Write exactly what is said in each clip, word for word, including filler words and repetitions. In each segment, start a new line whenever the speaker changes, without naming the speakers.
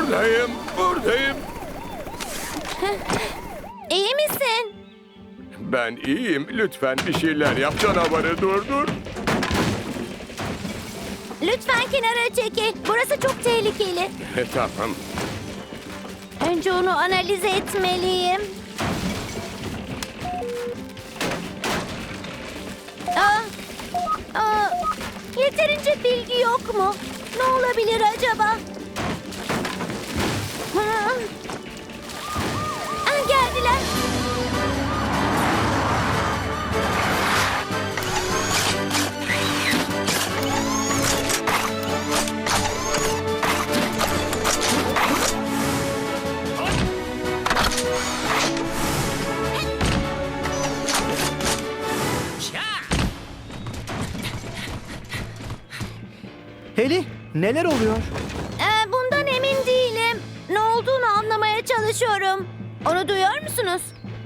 Buradayım, buradayım.
İyi misin?
Ben iyiyim. Lütfen bir şeyler yap, canavarı durdur.
Lütfen kenara çekil. Burası çok tehlikeli.
E, tamam.
Önce onu analiz etmeliyim. Aa, aa, yeterince bilgi yok mu? Ne olabilir acaba? Hı. Aa, geldiler.
Heli, neler oluyor?
Ee, bundan emin değilim. Ne olduğunu anlamaya çalışıyorum. Onu duyuyor musunuz?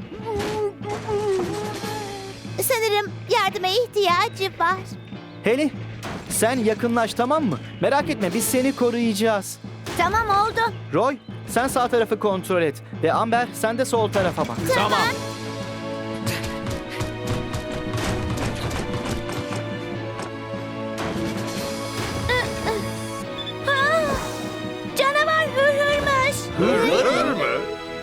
Sanırım yardıma ihtiyacı var.
Heli, sen yakınlaş, tamam mı? Merak etme, biz seni koruyacağız.
Tamam oldu.
Roy, sen sağ tarafı kontrol et. Ve Amber, sen de sol tarafa bak.
Tamam. Ha, canavar hırhırmış.
Hırhır mı?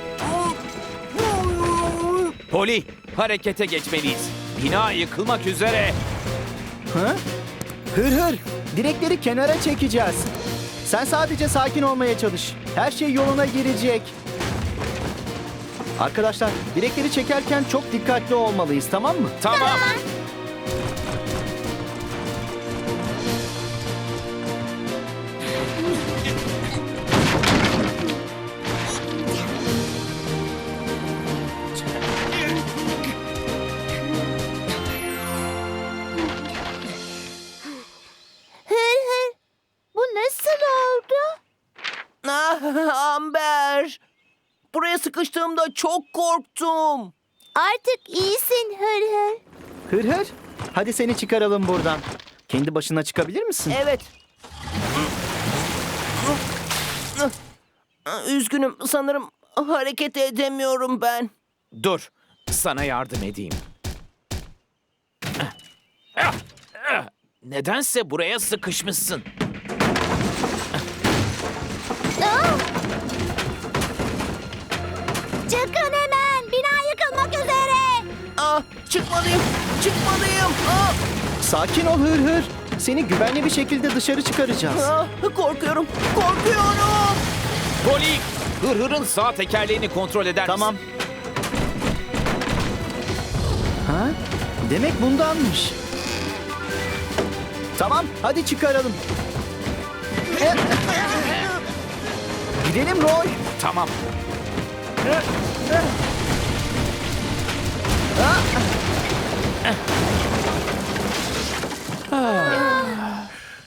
Poli, harekete geçmeliyiz. Bina yıkılmak üzere.
Hı? Hır hır, direkleri kenara çekeceğiz. Sen sadece sakin olmaya çalış. Her şey yoluna girecek. Arkadaşlar, direkleri çekerken çok dikkatli olmalıyız, tamam mı?
Tamam.
Hır hır. Bu nasıl oldu?
Ah, Amber. Buraya sıkıştığımda çok korktum.
Artık iyisin hır hır.
Hır hır, hadi seni çıkaralım buradan. Kendi başına çıkabilir misin?
Evet. Üzgünüm. Sanırım hareket edemiyorum ben.
Dur, sana yardım edeyim. Nedense buraya sıkışmışsın.
Aa! Çıkın hemen. Bina yıkılmak üzere.
Ah, çıkmalıyım. Çıkmalıyım. Ah,
Sakin ol Hır hır. Seni güvenli bir şekilde dışarı çıkaracağız.
ah, korkuyorum. Korkuyorum.
Poli, hırhırın sağ tekerleğini kontrol eder misin?
Tamam. Ha? Demek bundanmış. Tamam, hadi çıkaralım. Gidelim Roy.
Tamam.